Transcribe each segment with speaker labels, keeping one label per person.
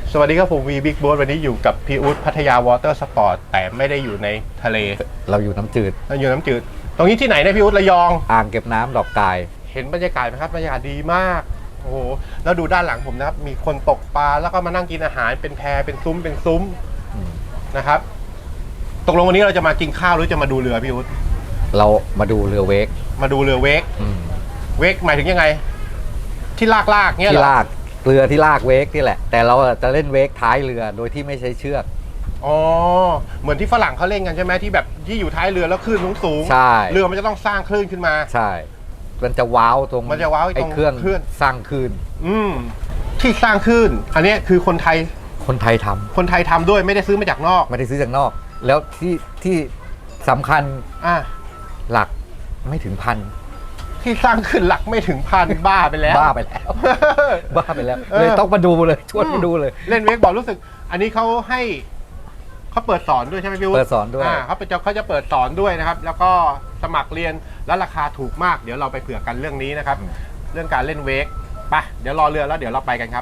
Speaker 1: สวัสดีครับผมวีบิ๊กโบ๊ทวันนี้อยู่กับพี่อุ๊ดพัทยาวอเตอร์สปอร์ตแต่ไม่ได้อยู่ในทะเล
Speaker 2: เราอยู่น้ำจืด
Speaker 1: เราอยู่น้ำจืดตรงนี้ที่ไหนนะพี่อุ๊ดระยอง
Speaker 2: อ่างเก็บน้ำดอกกาย
Speaker 1: เห็นบรรยากาศไหมครับบรรยากาศดีมากโอ้โหแล้วดูด้านหลังผมนะครับมีคนตกปลาแล้วก็มานั่งกินอาหารเป็นแพเป็นซุ้มนะครับตกลงวันนี้เราจะมากินข้าวหรือจะมาดูเรือพี่อุ๊ด
Speaker 2: เรามาดูเรือเวก
Speaker 1: มาดูเรือเวกเวกหมายถึงยังไงที่ลากเงี้ยเหรอ
Speaker 2: ที่ลากเรือที่ลากเวกนี่แหละแต่เราจะเล่นเวกท้ายเรือโดยที่ไม่ใช้เชือก
Speaker 1: อ๋อเหมือนที่ฝรั่งเขาเล่นกันใช่ไหมที่แบบที่อยู่ท้ายเรือแล้วคลื่นสูง
Speaker 2: ใช่
Speaker 1: เรือมันจะต้องสร้างคลื่นขึ้นมา
Speaker 2: ใช่มันจะว้าวตรง
Speaker 1: มันจะว้าวตรง
Speaker 2: เครื่องสร้างคลื่น
Speaker 1: ที่สร้างคลื่นอันนี้คือคนไทยทำด้วยไม่ได้ซื้อมาจากนอก
Speaker 2: ไม่ได้ซื้อจากนอกแล้วที่สำคัญหลักไม่ถึงพัน
Speaker 1: ที่สร้างขึ้นหลักไม่ถึงพันบ้าไปแล้ว
Speaker 2: เลยต้องมาดูเลยชวนมาดูเลย
Speaker 1: เล่นเวกบอกรู้สึกอันนี้เขาเปิดสอนด้วยใช่ไหมพี่อุ๊ด
Speaker 2: เปิดสอนด้วย
Speaker 1: เขาจะเปิดสอนด้วยนะครับแล้วก็สมัครเรียนแล้วราคาถูกมากเดี๋ยวเราไปเผื่อกันเรื่องนี้นะครับเรื่องการเล่นเวกไปเดี๋ยวรอเรือแล้วเดี๋ยวเราไปกันครับ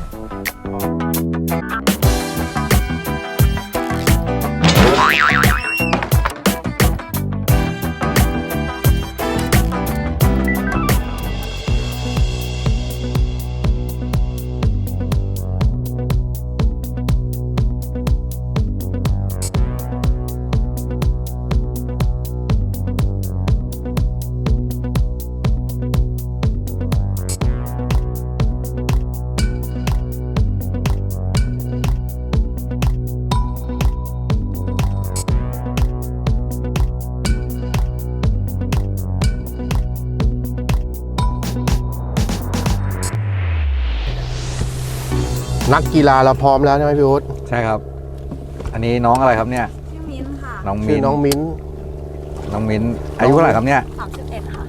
Speaker 1: นักกีฬาเราพร้อมแล้วใช่ไหมพี่อุ๊ด
Speaker 2: ใช่ครับอันนี้น้องอะไรครับเนี่ย
Speaker 3: ชื่อมิ้นค่ะ
Speaker 1: น้องมิ้น
Speaker 2: อายุเท่าไหร่ครับเนี่ย
Speaker 3: 31ค่ะ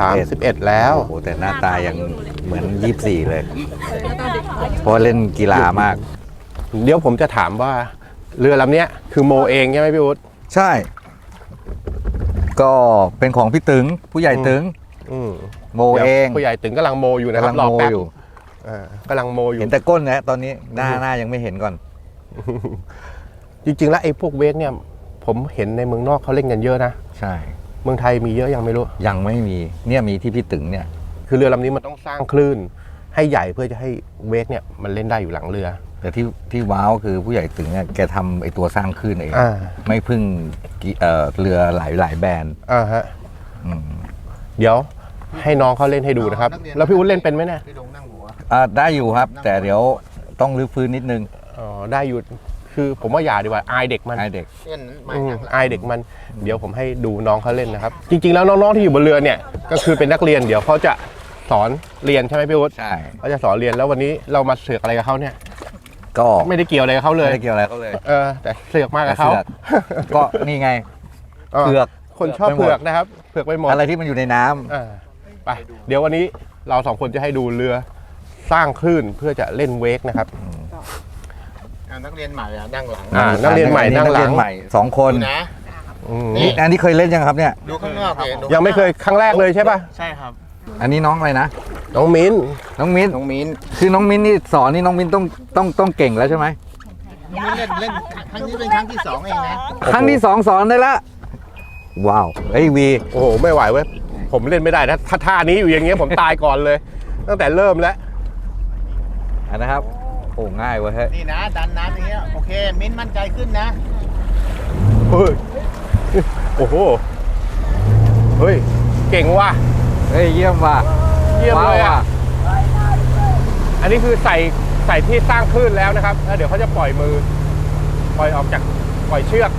Speaker 1: 31แล้ว
Speaker 2: โอ้โหแต่หน้าตายังเหมือน24เลยเพราะเล่นกีฬามาก
Speaker 1: เดี๋ยวผมจะถามว่าเรือลำนี้คือโมเองใช่ไหมพี่อุ๊ด
Speaker 2: ใช่ก็เป็นของพี่ตึงผู้ใหญ่ตึงโมเอง
Speaker 1: ผู้ใหญ่ตึงกำลังโมอยู่นะครับรอแป๊บกำลังโมอยู่
Speaker 2: เห็นแต่ก้นนะตอนนี้หน้ายังไม่เห็นก่อน
Speaker 1: จริงๆแล้วไอ้พวกเวกเนี่ยผมเห็นในเมืองนอกเขาเล่นกันเยอะนะ
Speaker 2: ใช่
Speaker 1: เมืองไทยมีเยอะยังไม่รู้
Speaker 2: ยังไม่มีเนี่ยมีที่พี่ตึงเนี่ย
Speaker 1: คือเรือลำนี้มันต้องสร้างคลื่นให้ใหญ่เพื่อจะให้เวกเนี่ยมันเล่นได้อยู่หลังเรือ
Speaker 2: แต่ที่ว้าวคือผู้ใหญ่ตึงเนี่ยแกทำไอ้ตัวสร้างคลื่นเองไม่พึ่งเรือหลายแบรนด์
Speaker 1: เดี๋ยวให้น้องเขาเล่นให้ดูนะครับแล้วพี่อุ้นเล่นเป็นไหมเนี่ย
Speaker 2: ได้อยู่ครับแต่เดี๋ยวต้องรื้อฟื้นนิดนึง
Speaker 1: ได้อยู่คือผมว่าอย่าดีกว่าอายเด็กมัน
Speaker 2: อายเด็ก
Speaker 1: มันเดี๋ยวผมให้ดูน้องเขาเล่นนะครับจริงๆแล้วน้องๆที่อยู่บนเรือเนี่ยก็คือเป็นนักเรียนเดี๋ยวเขาจะสอนเรียนใช่ไหมพี่อุ๊ด
Speaker 2: ใช่
Speaker 1: เขาจะสอนเรียนแล้ววันนี้เรามาเสือกอะไรกับเขาเนี่ย
Speaker 2: ก็
Speaker 1: ไม่ได้เกี่ยวอะไรกับเขาเลย
Speaker 2: ไม่ได้เกี่ยวอะไรเขาเลย
Speaker 1: แต่เสือกมากกับเขา
Speaker 2: ก็นี่ไงเผือก
Speaker 1: คนชอบเผือกนะครับเผือกไปหมด
Speaker 2: อะไรที่มันอยู่ในน้ำ
Speaker 1: ไปเดี๋ยววันนี้เราสองคนจะให้ดูเรือสร้างคลื่นเพื่อจะเล่นเวกนะครับ
Speaker 4: นักเรียนใหม่นั่งหลัง
Speaker 1: นักเรียนใหม่นั่งหลัง
Speaker 2: 2 คน
Speaker 4: นะ
Speaker 2: นี่อันนี้เคยเล่นยังครับเนี่ย
Speaker 4: ดูข้างนอก
Speaker 1: ยังไม่เคยครั้งแรกเลยใช่ป่ะ
Speaker 4: ใช่ครับ
Speaker 2: อันนี้น้องอะไรนะ
Speaker 1: น้องมิ้น
Speaker 2: คือน้องมิ้นนี่สอนนี่น้องมิ้นต้องเก่งแล้วใช่ไหม
Speaker 4: มิ้นเล่นครั้งนี้เป็นครั้งที่2เองนะ
Speaker 2: ครั้งที่2สอนได้ละว้าวเฮ้ยวี
Speaker 1: โอ้โหไม่ไหวเว้ยผมเล่นไม่ได้นะถ้าท่านี้อยู่อย่างเงี้ยผมตายก่อนเลยตั้งแต่เริ่มแล้ว
Speaker 2: นะครับโอ้ง่ายเว้ย
Speaker 4: นี่นะดันน้ำอย่างเงี้ยโอเคมิ้นมั่นใจขึ้นนะ
Speaker 1: เฮ้ยโอ้โหเฮ้ยเก่งว่ะ
Speaker 2: เฮ้ยเยี่ยมว่ะ
Speaker 1: เยี่ยมเลยอ่ะอันนี้คือใส่ที่สร้างคลื่นแล้วนะครับแล้วเดี๋ยวเขาจะปล่อยมือปล่อยออกจากปล่อยเชือก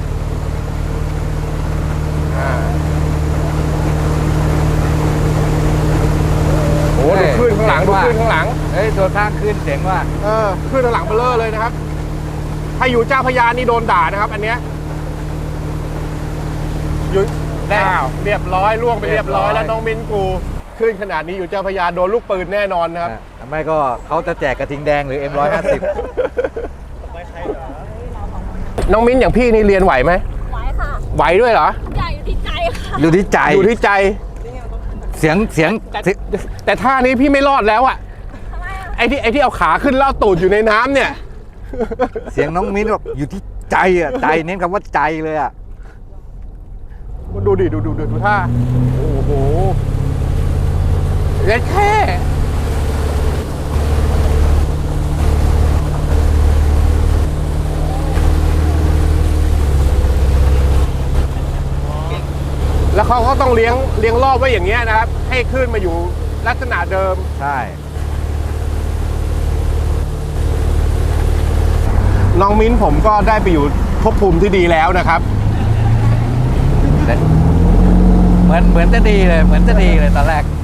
Speaker 1: โอ้ดูคลื่นข้างหลัง
Speaker 2: เฮ้ยตัวสร้างคลื่นเจ๋งว่ะ
Speaker 1: คลื่นข้างหลังเบลอเลยนะครับถ้าอยู่เจ้าพญานี่โดนด่านะครับอันเนี้ยอยู่แล้วเรียบร้อยล่วงไปเรียบร้อยแล้วน้องมิ้นกูขึ้นขนาดนี้อยู่เจ้าพญาโดนลูกปืนแน่นอนนะครับ
Speaker 2: ไม่ก็เขาจะแจกกระทิงแดงหรือ M150
Speaker 1: น้องมิ้นอย่างพี่นี่เรียนไหวไหม
Speaker 3: ไหวค่ะ
Speaker 1: ไหวด้วยเหรอ
Speaker 3: ใหญ่อยู่ที่ใจค่ะ
Speaker 2: อยู่ที่ใจเสียง
Speaker 1: แต่ท่านี้พี่ไม่รอดแล้วอ่ะไอ้ที่เอาขาขึ้นแล้วตูดอยู่ในน้ำเนี่ย
Speaker 2: เสียงน้องมิ้นบอกอยู่ที่ใจอ่ะใจเน้นคำว่าใจเลยอ่ะ
Speaker 1: ดูดิดูท่าโอ้โหเล็กแค่แล้วเขาก็ต้องเลี้ยงรอบไว้อย่างเงี้ยนะครับ ให้ขึ้นมาอยู่ลักษณะเดิม
Speaker 2: ใช่
Speaker 1: น้องมิ้นผมก็ได้ไปอยู่ภพภูมิที่ดีแล้วนะครับ
Speaker 2: เหมือนจะดีเลยเหมือนจะดีเลยตอนแรก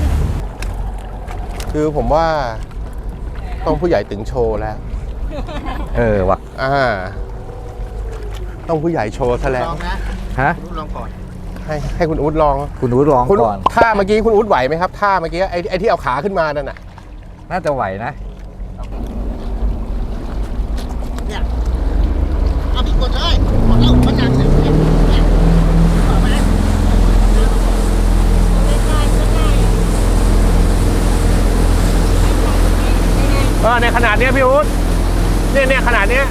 Speaker 1: คือผมว่าต้องผู้ใหญ่ตึงโชว์แล้ว
Speaker 2: ว่ะ
Speaker 1: ต้องผู้ใหญ่โชว์ซะแล้ว
Speaker 4: ลองนะ
Speaker 2: ฮะ
Speaker 4: คุณลองก่อน
Speaker 1: ให้คุณอุ๊ดลอง
Speaker 2: คุณอู๊ดร้อง
Speaker 1: คุณ
Speaker 2: ก่อน
Speaker 1: ท่าเมื่อกี้คุณอุ๊ดไหวไหมครับท่าเมื่อกี้ไอ้ที่เอาขาขึ้นมานั่นน่ะ
Speaker 2: น่าจะไหวนะ
Speaker 4: เนี่ยเอาพี่กดเลยกดแล้วมันนั่งเนี่ยเอามา
Speaker 3: ไม่ได้
Speaker 1: ในขนาดเนี้ยพี่อุ๊ดเนี่ยขนาดเนี้ย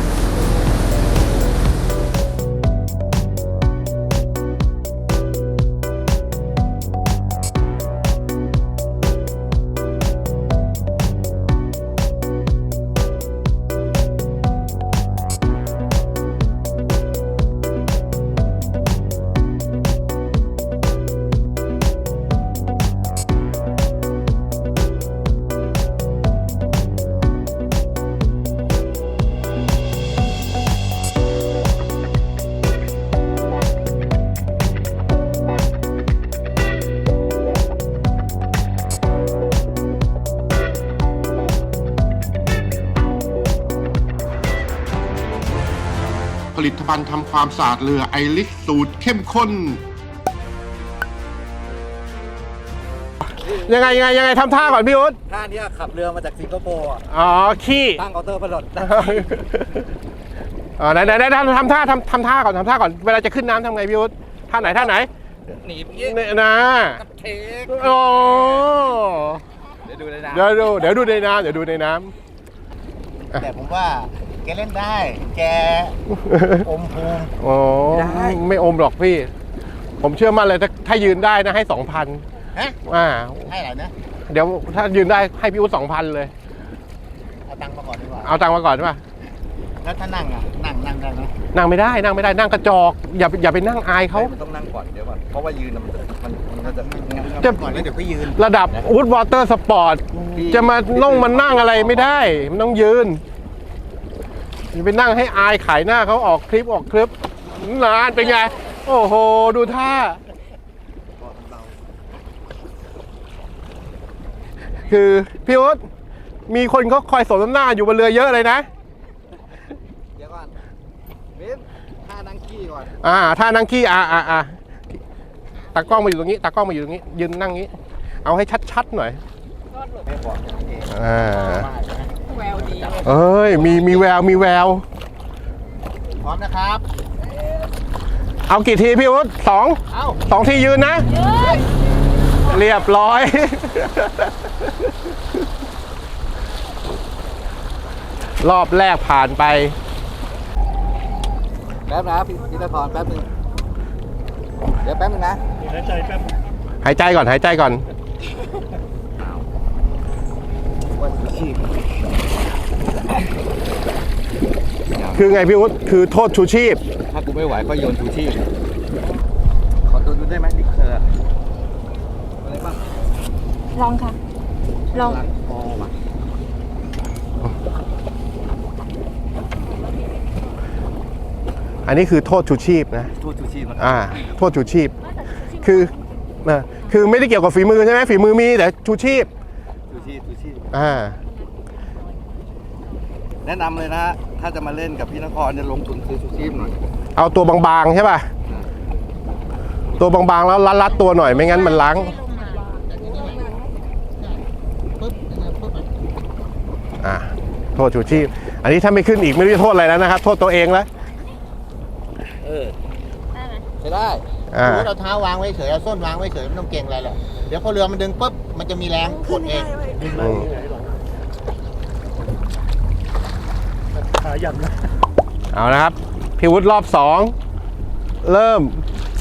Speaker 1: ผลิตภัณฑ์ทำความสะอาดเรือไอริสสูตรเข้มข้น ยังไงทำท่าก่อนพี่อุ๊ด
Speaker 2: ท่านี้ขับเรือมาจากสิงคโปร์
Speaker 1: อ๋อขี้
Speaker 2: ตั้งเคาน์เตอร์ประหลด
Speaker 1: ไหนทำท่าก่อนเวลาจะขึ้นน้ำทำไงพี่อุ๊ดท่าไหน
Speaker 2: หนีบ
Speaker 1: เนี่ยนะ
Speaker 2: เทค
Speaker 1: โอ้
Speaker 2: เดี๋ยวดูเลยนะ
Speaker 1: เดี๋ยวดูในน้ำ
Speaker 4: แต่ผมว่าแกเล่นได้ แกอมภูมิ
Speaker 1: โอ้ไม่อมหรอกพี่ ผมเชื่อมั่นเลยถ้ายืนได้นะให้ 2,000
Speaker 4: ฮะ ให้อะไรนะ
Speaker 1: เดี๋ยวถ้ายืนได้ให้พี่อุ๊ด 2,000 เลย
Speaker 4: เอาตังค์มาก่อนดีกว่า
Speaker 1: เอาตังค์มาก่อนใช่ป่ะ
Speaker 4: แล้วถ้านั่งอ่ะ นั่งได้ไหม
Speaker 1: นั่งไม่ได้นั่งกระจอกอย่าไปนั่งอายเขา
Speaker 2: มันต้องนั่งก่อนเดี๋ยวก่อนเพราะว่ายืนมันจะ
Speaker 1: จะ
Speaker 4: ก่อนแล้วเดี๋ยวก็ยืน
Speaker 1: ระดับวูดวอเตอร์สปอร์ตจะมานั่งอะไรไม่ได้ มันต้องยืนอย่าไปนั่งให้อายขายหน้าเขาออกคลิปนานเป็นไง โอ้โห ดูท่า คือพี่อุ๊ดมีคนเขาคอยสมน้ำหน้าอยู่บนเรือเยอะเลยนะ
Speaker 2: เดี๋ยวก่อนเบนท่านั่งขี้ก่อน
Speaker 1: ท่านั่งขี้ตากล้องมาอยู่ตรงนี้ยืนนั่งนี้ เอาให้ชัดๆหน่อย
Speaker 3: แววดี
Speaker 1: เอ้ยมีแวว
Speaker 4: พร้อมนะครับ
Speaker 1: เอากี่ทีพี่อุ๊ด2
Speaker 4: เอ้า
Speaker 1: 2 ทียืนนะ เรียบร้อย รอบแรกผ่านไป
Speaker 2: แป๊บนะพี่ตะทอนแป๊บนึงเดี๋ยวแป๊บนึงนะ
Speaker 1: หายใจก่อน คือไงพี่อุ๊ดคือโทษชูชีพ
Speaker 2: ถ้ากูไม่ไหวก็โยนชูชีพขอดูได้ไหมนี่คืออะไรบ้าง
Speaker 3: ลองค่ะ ลอง
Speaker 2: ลังคอว่ะ
Speaker 1: อันนี้คือโทษชูชีพนะ
Speaker 2: โทษชูชีพมัน
Speaker 1: โทษชูชีพ คือไม่ได้เกี่ยวกับฝีมือใช่ไหมฝีมือมีแต่ชูชีพ
Speaker 2: ชูชีพ แนะนำเลยนะฮะถ้าจะมาเล่นกับพี่นครจะลงทุนซื้อชูชีพหน่อย
Speaker 1: เอาตัวบางๆใช่ป่ะ ตัวบางๆแล้วรัดๆตัวหน่อยไม่งั้นมันล้าง โทษชูชีพ อันนี้ถ้าไม่ขึ้นอีกไม่รู้จะโทษอะไรแล้วนะครับ โทษตัวเองแล้ว
Speaker 3: ได้ไหม
Speaker 2: ใช้ได้
Speaker 4: รู้เราเท้าวางไว้เฉยเอาส้นวางไว้เฉยไม่ต้องเก่งอะไรหรอกเดี๋ยวพอเรือมันดึงปุ๊บมันจะมีแรงกดเองยับนะ
Speaker 1: เอานะครับพี่วุฒิรอบสองเริ่ม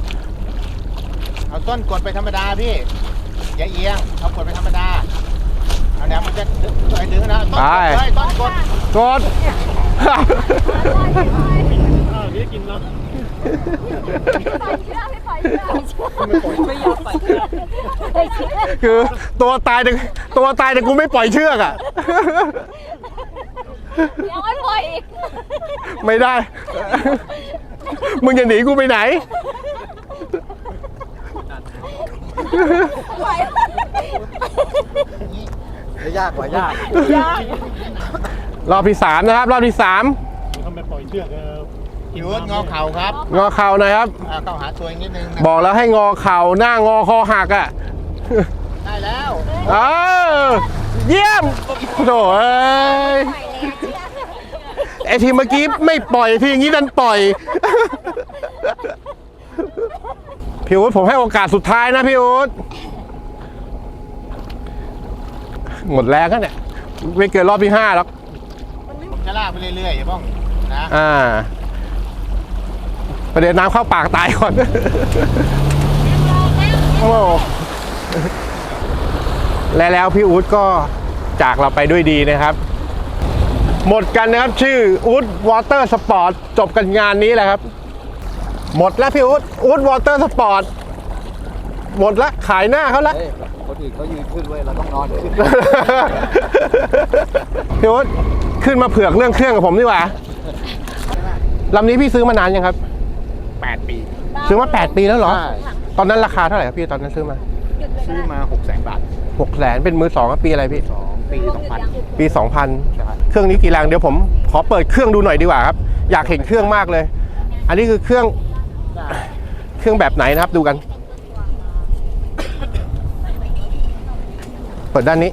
Speaker 4: เอาต้นกดไปธรรมดาพี่อย่าเอียงเอากดไปธรรมดาเอาแนวมันจะดึงนะต้นกดเลยต้นกด
Speaker 1: กด
Speaker 4: นี่กินแล้ว
Speaker 3: ไม่ยอมปล่อยเชือก
Speaker 1: คือตัวตายแต่กูไม่ปล่อยเชือกอ่ะ
Speaker 3: ยังไม่ปล่อยอีก
Speaker 1: ไม่ได้ มึงจะหนีกูไปไหน
Speaker 3: ปล่อย
Speaker 2: ยากกว่ายาก
Speaker 3: ยาก
Speaker 1: รอบที่สามนะครับ รอบที่สาม
Speaker 4: พี่วุฒิงอเข่าครับ
Speaker 1: งอเข่าหนะครับ
Speaker 4: เข้าหาตัวอีกนิดนึงนะ
Speaker 1: บอกแล้วให้งอเข่าหน้างอคอหักอ่ะ
Speaker 4: ได้แล้ว
Speaker 1: เออเยี่ยมโถ่เอ้ยไอทีเมื่อกี้ไม่ปล่อยทีอย่างนี้ดันปล่อย พี่อุ๊ดผมให้โอกาสสุดท้ายนะพี่อุ๊ดหมดแรงแล้วเนี่ยไม่เกินรอบที่5หรอก
Speaker 4: ผมจะลากไปเรื่อยๆอย่าบ้องนะ
Speaker 1: ประเด็นน้ำเข้าปากตายก่อน โอ้แล้วพี่อุ๊ดก็จากเราไปด้วยดีนะครับ หมดกันนะครับชื่ออุ๊ดวอเตอร์สปอร์ตจบกันงานนี้แหละครับ หมดแล้วพี่อุ๊ดวอเตอร์สปอร์ตหมดละขายหน้าเขาละ
Speaker 2: คนอื่นเขายืนขึ้นเว้ยเราต้องนอนขึ้น
Speaker 1: พี่อุ๊ดขึ้นมาเผือกเรื่องเครื่องกับผมดีกว่าลำนี้พี่ซื้อมานานยังครับ
Speaker 4: 8 ปี
Speaker 1: ซื้อมา8 ปีแล้วเหรอ ตอนนั้นราคาเท่าไหร่ครับพี่ตอนนั้นซื้อมา
Speaker 4: ซื้อมา 600,000 บาท
Speaker 1: 600,000เป็นมือสองครับปีอะไรพี่
Speaker 4: 2 ปี 2000
Speaker 1: ปี 2000 เครื่องนี้กี่แรงเดี๋ยวผมขอเปิดเครื่องดูหน่อยดีกว่าครับ อยากเห็นเครื่องมากเลย อันนี้คือเครื่องแบบไหนนะครับดูกัน เปิดด้านนี้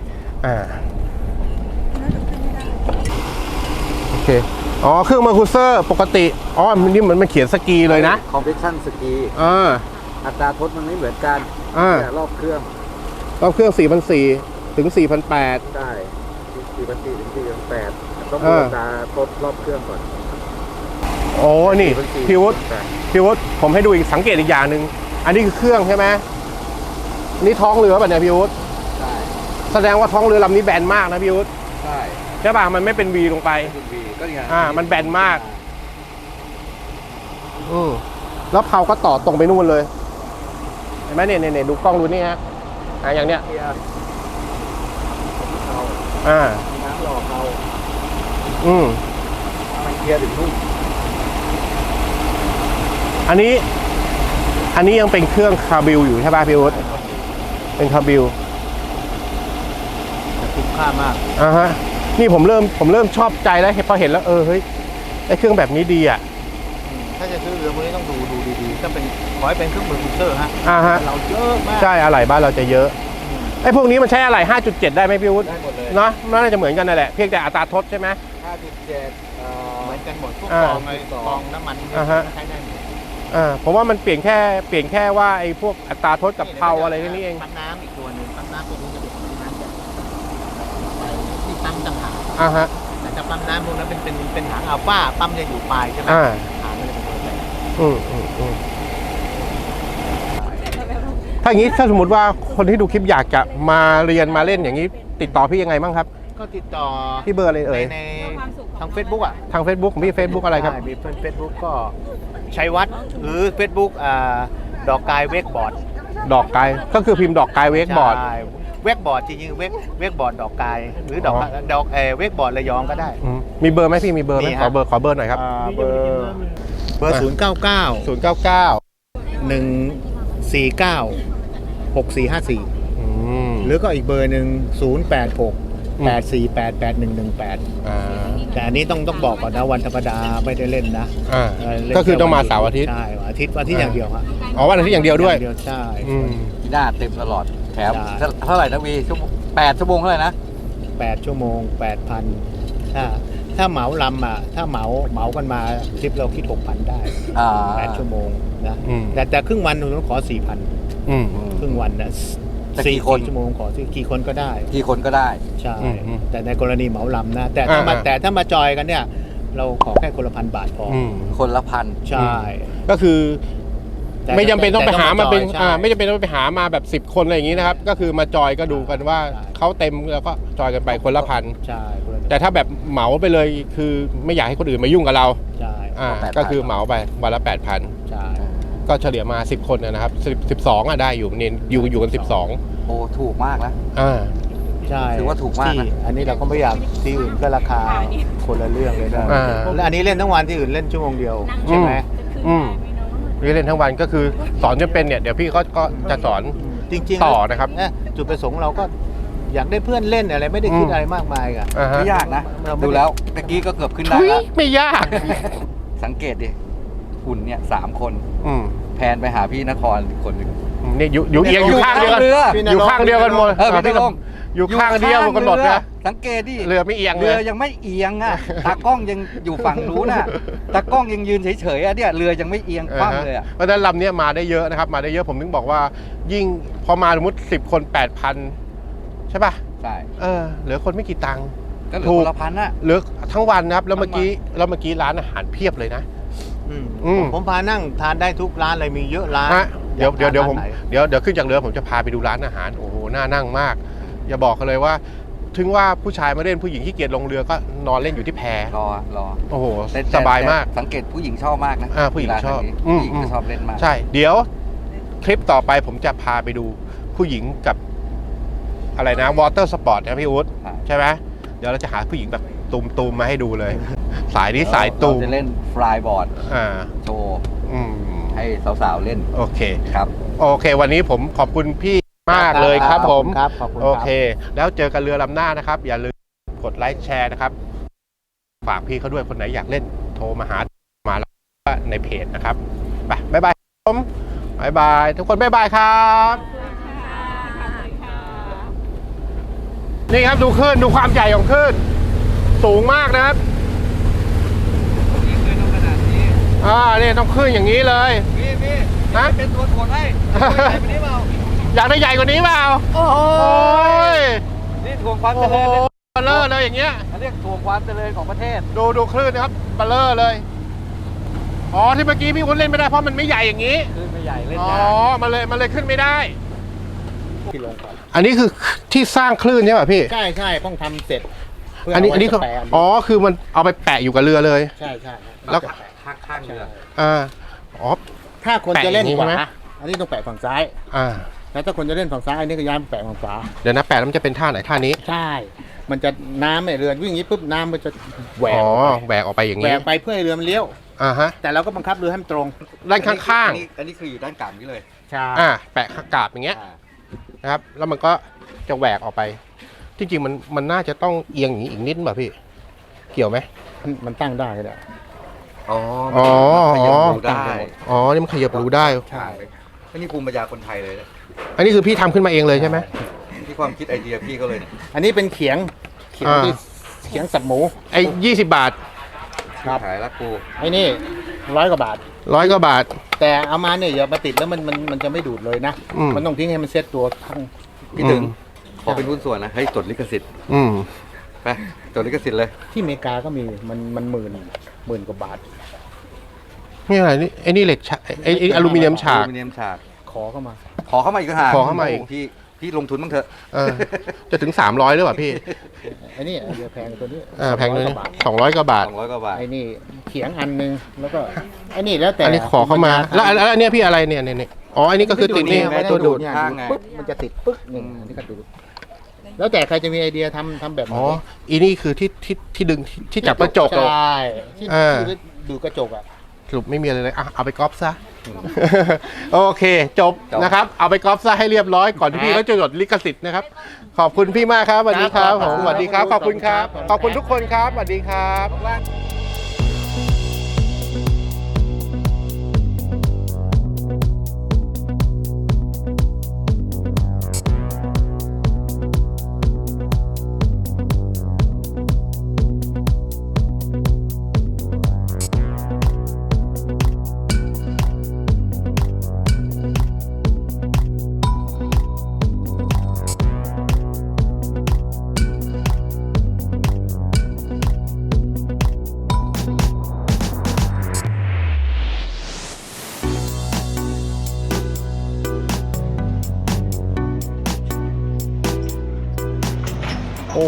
Speaker 1: โอเคอ๋อเครื่องมาคูเซอร์ปกติอ๋อมันนี่มันเขียนสกีเลยนะ
Speaker 2: คอมเพรสชั่นสกี อัตราทดมันไม่เหมือนกันแต่รอบเครื่อง
Speaker 1: รอบเครื่อง 4,400 ถึง 4,800
Speaker 2: ได้4,400 ถึง 4,800 ต้องดูอัตราทดรอบเครื่องก่อน
Speaker 1: โอ้นี่พี่วุฒิผมให้ดูอีกสังเกตอีกอย่างหนึ่งอันนี้คือเครื่องใช่ไหมนี่ท้องเรือป่ะเนี่ยพี่วุฒิ
Speaker 2: ใช่
Speaker 1: แสดงว่าท้องเรือลำนี้แบนมากนะพี่วุฒิ
Speaker 2: ใช่
Speaker 1: ใช่ป่ะมันไม่เป็น V ลงไป
Speaker 2: คุณบีก็นี่ไง
Speaker 1: มันแบนมากแล้วเผาก็ต่อตรงไปนู่นเลยเห็นไหมเนี่ยดูกล้องดูนี่ฮะอย่างเนี้ย
Speaker 2: เกียร์เขา มีน้ำหล่อเขามันเกียร์ถึงนู่น
Speaker 1: อันนี้ยังเป็นเครื่องคาร์บิลอยู่ใช่ป่ะพี่วุฒิเป็นคาร์บิล
Speaker 4: คุ้มค่ามาก
Speaker 1: ฮะนี่ผมเริ่มชอบใจแล้วพอเห็นแล้วเฮ้ยไอเครื่องแบบนี้ดีอ่ะ
Speaker 4: ถ้าจะซื้อเรือพวกนี้ต้องดูดีๆก็เป็นขอให้เป็นเครื่องมือคูเซอร์ฮะ
Speaker 1: ฮะ
Speaker 4: เราเยอะมาก
Speaker 1: ใช่อะไหล่บ้านเราจะเยอะไอพวกนี้มันใช้อะไหล่ 5.7 ได้ไหมพี่วุฒิ
Speaker 2: ได้หมดเลย
Speaker 1: เนาะน่าจะเหมือนกันนั่นแหละเพียงแต่อัตราทดใช่ไหม
Speaker 2: 5.7
Speaker 4: เหมือนกันหมดพวกกองไอ้กองน้ำมันใช้ได้หมด
Speaker 1: ผมว่ามันเปลี่ยนแค่ว่าไอ้พวกอัตราทดกับเพลาอะไรแค่นี้เอง
Speaker 4: ปั๊มน้ำอีกตัวหนึ่งปั๊มน้ำตัวนี้จะเป็นปั๊มน้ำแบบที่ปั๊มต่างหาก
Speaker 1: ฮะ
Speaker 4: แต่จะปั๊มน้ำพวกนั้นเป็นหางอัลฟาปั๊มจะอยู่ปลายใช่ไหมหางมันจะเป็นตัวแบบ
Speaker 1: ถ้าอย่างนี้ถ้าสมมติว่าคนที่ดูคลิปอยากจะมาเรียนมาเล่นอย่างนี้ ติดต่อพี่ยังไงบ้างครับ
Speaker 4: ก็ติดต่อ
Speaker 1: ที่เบอร์อะไรเอ่ย
Speaker 4: ในทาง Facebook อ่ะ
Speaker 1: ทาง Facebook ของพี่ Facebook อะไรครับ
Speaker 4: ใช่มีเฟซบุ๊กก็ชัยวัฒน์หรือ Facebook ดอกกายเวกบอร์ด
Speaker 1: ดอกกายก็คือพิมพ์ดอกกายเวกบอร์ด
Speaker 4: ใช่เวกบอร์ดจริงๆเวกบอร์ดดอกกายหรือดอกเวกบอร์ดระยองก็ได้
Speaker 1: มีเบอร์ไหมพี่มีเบอร์ไหม
Speaker 4: มี
Speaker 1: ข
Speaker 4: ครั
Speaker 1: อบ เบอร์หน่อยครับ
Speaker 4: เบอร์099
Speaker 1: 099
Speaker 4: 149 6454 หรือก็อีกเบอร์หนึ่ง086 848 8118 แต่อันนี้ต้องบอกก่อนนะวันธรรมดาไม่ได้เล่นนะเล่น
Speaker 1: ก็คือต้องมาเสาร์อาทิตย์
Speaker 4: ใช่วันอาทิตย์อย่างเดียวฮะ
Speaker 1: อ๋อวันอาทิตย์อย่างเดียวด้วย
Speaker 4: ใช่
Speaker 2: ที่หน้าเต็มตลอดแถม
Speaker 4: ใช่
Speaker 2: เท่าไหร่นะวี8 ชั่วโมงเท่าไหร่นะ
Speaker 4: 8 ชั่วโมง 8,000ถ้าเหมาลำถ้าเหมากันมาทริปเราคิด 6,000 ได้ 8 ชั่วโมงนะแต่ครึ่งวันผมขอ 4,000 ครึ่งวันนะ
Speaker 2: แต่
Speaker 4: 4
Speaker 2: กี่คน
Speaker 4: ชั่วโมงขอกี่คนก็ได้
Speaker 2: กี่คนก็ได้
Speaker 4: ใช่ แต่ในกรณีเหมาลำนะ แต่ถ้ามาจอยกันเนี่ยเราขอแค่คนละ1,000 บาทพอ
Speaker 2: คนละพัน
Speaker 4: ใช่
Speaker 1: ก็คือ
Speaker 4: แต่
Speaker 1: ไม่จำเป็นต้องไปหามาเป็น
Speaker 4: ใช่
Speaker 1: ไม่จำเป็นต้องไปหามาแบบ10 คนอะไรอย่างนี้นะครับ ก็คือมาจอยก็ดูกันว่า
Speaker 4: ใช่
Speaker 1: เขาเต็มแล้วก็จอยกันไปคนละพัน
Speaker 4: ใช่คนละ
Speaker 1: แต่ถ้าแบบเหมาไปเลยคือไม่อยากให้คนอื่นมายุ่งกับเรา
Speaker 4: ใช่
Speaker 1: ก็คือเหมาไปวันละ 8,000
Speaker 4: ใช่
Speaker 1: ก็เฉลี่ยมา10 คนนะครับ12ได้อยู่เนี่ยอยู่กัน12
Speaker 2: โอ้ถูกมากแล้ว
Speaker 4: ใช่
Speaker 2: ถือว่าถูกมากนะ
Speaker 4: ที่อันนี้เราก็ไม่อยากที่อื่นก็ราคาคนละเรื่องเลยนะ
Speaker 1: อ่า
Speaker 4: และอันนี้เล่นทั้งวันที่อื่นเล่นชั่วโมงเดียวใช่ไหม
Speaker 1: นี่เล่นทั้งวันก็คือสอนจนเป็นเนี่ยเดี๋ยวพี่ก็จะสอน
Speaker 4: จริงๆ
Speaker 1: ต่อนะครับ
Speaker 4: จุดประสงค์เราก็อยากได้เพื่อนเล่นอะไรไม่ได้คิดอะไรมากมายอะ
Speaker 1: อ่าฮะ
Speaker 2: ไม่ยากนะ
Speaker 4: เราไม่
Speaker 2: ดูแล้วตะกี้ก็เกือบขึ้นได้
Speaker 1: ทุย
Speaker 2: แล้ว
Speaker 1: ไม่ยาก
Speaker 2: สังเกตดิหุ่นเนี่ย3 คน
Speaker 1: อืม
Speaker 2: แพนไปหาพี่นครอีกคนหนึ่ง
Speaker 1: นี่อยู่เอียงอยู่ข้างเดียวกัน
Speaker 2: เรือ
Speaker 1: อยู่ข้างเดียวกันหมด
Speaker 2: พี่ลง
Speaker 1: อยู่ข้างเดียวกันหมด
Speaker 2: เรือ
Speaker 1: นะ
Speaker 2: สังเกตดิ
Speaker 1: เรือไม่เอียงเล
Speaker 2: เรือย ยังไม่เอียงอ่ะ ตากล้องยังอยู่ฝั่งนู้นน่ะ ตากล้องยังยืนเฉยๆอ่ะเนี่ยเรือยังไม่เอียงคว่ำเลยอ่ะ
Speaker 1: เพราะฉะนั้นลำเนี้ยมาได้เยอะนะครับ มาได้เยอะผมถึงบอกว่า ยิ่งพอมาสมมติ10 คน 8,000 ใช่ป่ะ
Speaker 2: ใช่
Speaker 1: เหลือคนไม่กี่ตังค์
Speaker 2: ก็เหลือ
Speaker 1: ถูก
Speaker 2: คนละพันอ่ะ
Speaker 1: เหลือทั้งวันนะครับแล้ว
Speaker 2: ทั้งวัน
Speaker 1: เมื่อกี้ร้านอาหารเพียบเลยนะ
Speaker 4: อืมผมพานั่งทานได้ทุกร้านเลยมีเยอะร้าน
Speaker 1: ฮะเดี๋ยว
Speaker 4: อยากทาน
Speaker 1: เดี๋ยวผม
Speaker 4: ร้านไหน
Speaker 1: เดี๋ยวขึ้นจากเรือผมจะพาไปดูร้านอาหารโอ้โหน่านั่งมาก อย่าบอกกันเลยว่า ถึงว่าผู้ชายมาเล่นผู้หญิงที่เกียจลงเรือก็นอนเล่นอยู่ที่แพ
Speaker 2: รอ
Speaker 1: โอ้โห
Speaker 2: แต่
Speaker 1: สบายมาก
Speaker 2: สังเกตผู้หญิงชอบมากนะ
Speaker 1: ผู้หญิงชอบ
Speaker 2: เวลาทางนี้ผู้หญิงก็ชอบเล่นมาก
Speaker 1: ใช่ เดี๋ยวคลิปต่อไปผมจะพาไปดูผู้หญิงกับอะไรนะวอเตอร์สปอร์ตนะพี่อุ๊ด
Speaker 2: ใช่
Speaker 1: ใช่ไหมเดี๋ยวเราจะหาผู้หญิงแบบตูมมาให้ดูเลย สายนี้สายตูม
Speaker 2: เราจะเล่นฟลายบอร์ด
Speaker 1: อ่า
Speaker 2: โชว์
Speaker 1: อืม
Speaker 2: ให้สาวๆเล่น
Speaker 1: โอเค
Speaker 2: ครับ
Speaker 1: โอเค วันนี้ผมขอบคุณพี่มากเลยครับผม
Speaker 4: ครับขอบคุณ
Speaker 1: โอ
Speaker 4: ครับ
Speaker 1: เค แล้วเจอกันเรือลำหน้านะครับ อย่าลืมกดไลค์แชร์นะครับ ฝากพี่เขาด้วยคนไหนอยากเล่นโทรมาหามาแล้วในเพจนะครับไปบ๊ายบายครับผมบ๊ายบายทุกคนบ๊ายบายครับ นี่ครับดูคลื่นดูความใหญ่ของคลื่นสูงมากนะครับนี่ต้องคลื่นอย่างนี้เลย
Speaker 2: พี่
Speaker 1: ฮะ
Speaker 2: เป็นตัวถ่วงให้นี่เปล่า
Speaker 1: อยากได้ใหญ่กว่านี้เปล่าโอ้ย
Speaker 2: นี่ถ่วงความ
Speaker 1: โอ้
Speaker 2: เจ
Speaker 1: โห
Speaker 2: ริญ
Speaker 1: เบลเลอร์เลยอย่างเงี้ย
Speaker 2: เขาเรียกถ่วงความเจริญของประเทศ
Speaker 1: ดูคลื่นนะครับเบลเลอร์เลยอ๋อที่เมื่อกี้พี่วุ้นเล่นไม่ได้เพราะมันไม่ใหญ่อย่างนี้
Speaker 2: ขึ้นไม่ใหญ่เล่น
Speaker 1: อ๋อย
Speaker 2: าก
Speaker 1: มันเลยขึ้นไม่ได้
Speaker 4: ที่ลงก่อน
Speaker 1: อันนี้คือที่สร้างคลื่นใช่ป่ะพี่
Speaker 4: ใช่ต้องทำเสร็จเพื่
Speaker 1: อันนี้
Speaker 4: เา
Speaker 1: อันนี้
Speaker 4: ไว้
Speaker 1: คือ
Speaker 4: แปะ
Speaker 1: อ๋อคือมันเอาไปแปะอยู่กับเรือเลย
Speaker 4: ใช่
Speaker 1: แล้ว
Speaker 2: ข้างเรือ
Speaker 1: อ๋อ
Speaker 4: ถ้าคนจะเล่น
Speaker 1: แปะอย่างนี้
Speaker 4: ขวา
Speaker 1: ใช่ไหม
Speaker 4: อันนี้ต้องแปะฝั่งซ้าย
Speaker 1: อ่า
Speaker 4: แล้วถ้าคนจะเล่นฝั่งซ้ายอันนี้ก็ย้ายมาแปะฝั่งขวา
Speaker 1: เดี๋ยวนะแปะแล้วมันจะเป็นท่าไหนท่านี้
Speaker 4: ใช่ มันจะน้ำเนี่ยเรือวิ่งอย่างนี้ปุ๊บน้ำมันจะแหวก
Speaker 1: อ๋อ
Speaker 4: ออกไป
Speaker 1: แหวกออกไปอย่าง
Speaker 4: แหว
Speaker 1: นี้
Speaker 4: กไปเพื่อให้เรือมันเลี้ยว
Speaker 1: อ่าฮะ
Speaker 4: แต่เราก็บังคับเรือให้มันตรง
Speaker 1: ด้านข้าง
Speaker 2: อันนี้คืออยู่ด้านกลางนี้เลย
Speaker 4: ใช่
Speaker 1: ๆแปะกาบอย่างเงี้ยนะครับ แล้วมันก็จะแหวกออกไป จริงๆมันน่าจะต้องเอียงอย่างนี้อีกนิดป่ะพี่ เกี่ยวไหม
Speaker 4: มันตั้งได้ก็ได้
Speaker 2: อ๋อ
Speaker 1: อ๋อ
Speaker 2: ขยับดูได้
Speaker 1: อ๋อนี่มันขยับรู้ได้
Speaker 2: ใช่ก็นี่ภูมิปัญญาคนไทยเลยนะ
Speaker 1: อันนี้คือพี่ทำขึ้นมาเองเลยใช่ไหม
Speaker 2: ที่ความคิดไอเดียพี่เขาเลยเนี่ย
Speaker 4: อันนี้เป็นเขียงที่เขียงสับหมู
Speaker 1: ไอ้20 บาท
Speaker 4: ครับ
Speaker 2: ขายละกู
Speaker 4: ไอ้นี่100 กว่าบาท
Speaker 1: 100 กว่าบาท
Speaker 4: แต่เอามาเนี่ยอย่ามาติดแล้วมันจะไม่ดูดเลยนะ
Speaker 1: อืม
Speaker 4: มันต้องทิ้งให้มันเซ็ตตัวข้าง
Speaker 2: พี่ถึง ขอเป็นหุ้นส่วนนะเฮ้ยจดลิขสิทธิ์
Speaker 1: อืม
Speaker 2: ไปจดลิขสิทธิ์เลย
Speaker 4: ที่อเมริกาก็มีมันหมื่นกว่าบาท
Speaker 1: นี่อะไรนี่ไอ้นี่เหล็กฉากไอ้อลูมิเนียมฉาก
Speaker 2: อลูมิเนียมฉาก
Speaker 4: ขอเข้ามา
Speaker 2: ขอเข้ามาอีกก็หา
Speaker 1: ขอเข้ามาอีก
Speaker 2: พี่ลงทุนบ้างเถอะ
Speaker 1: จะถึง300หรือเปล่าพี่
Speaker 4: ไอ้นี่เรือแพงกว่าตัวนี้
Speaker 1: แพงเลย
Speaker 4: 200 กว่าบาท
Speaker 1: 200 กว่าบาท
Speaker 2: 200 กว่าบาท
Speaker 4: ไอ้นี่เขียงอันนึงแล้วก็ไอ้นี่แล้วแต่
Speaker 1: อันนี้ขอเข้ามา แล้วอันเนี้ยพี่อะไรเนี่ยเนี่ยอ๋อ อันนี้ก็คือติดนี่
Speaker 2: ไว้
Speaker 1: ตัวดูด
Speaker 4: เนี่ย
Speaker 2: ข้างไง
Speaker 4: ปึ๊บมันจะติดปึ๊กนี่อันนี้ก็ดูดแล้วแต่ใครจะมีไอเดียทำแบบไหน
Speaker 1: อ๋อ อีนี่คือที่ดึงที่จับกระจก
Speaker 4: ใช่ที่
Speaker 1: อ่า
Speaker 4: ที่ดูกระจกอ่ะ
Speaker 1: สรุปไม่มีอะไรเลยเอาไปก๊อปซะ โอเค จบนะครับ เอาไปก๊อปซะให้เรียบร้อยก่อนที่พี่เขาจะจดลิขสิทธิ์นะครับ ขอบคุณพี่มากครับสวัสดีครับผมสวัสดีครับ ขอบคุณครับ ขอบคุณทุกคนครับสวัสดีครับ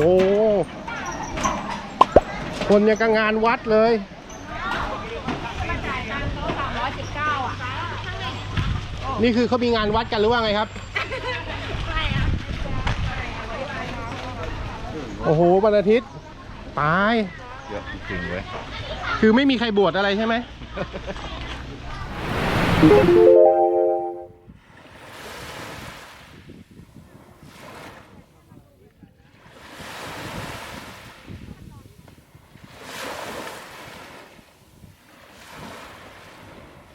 Speaker 1: คนยังกับงานวัดเลย นี่คือเขามีงานวัดกันหรือว่าไงครับ โอ้โหวันอาทิตย์ตาย
Speaker 2: เยอะจริงๆเว้ย
Speaker 1: คือไม่มีใครบวชอะไรใช่ไหม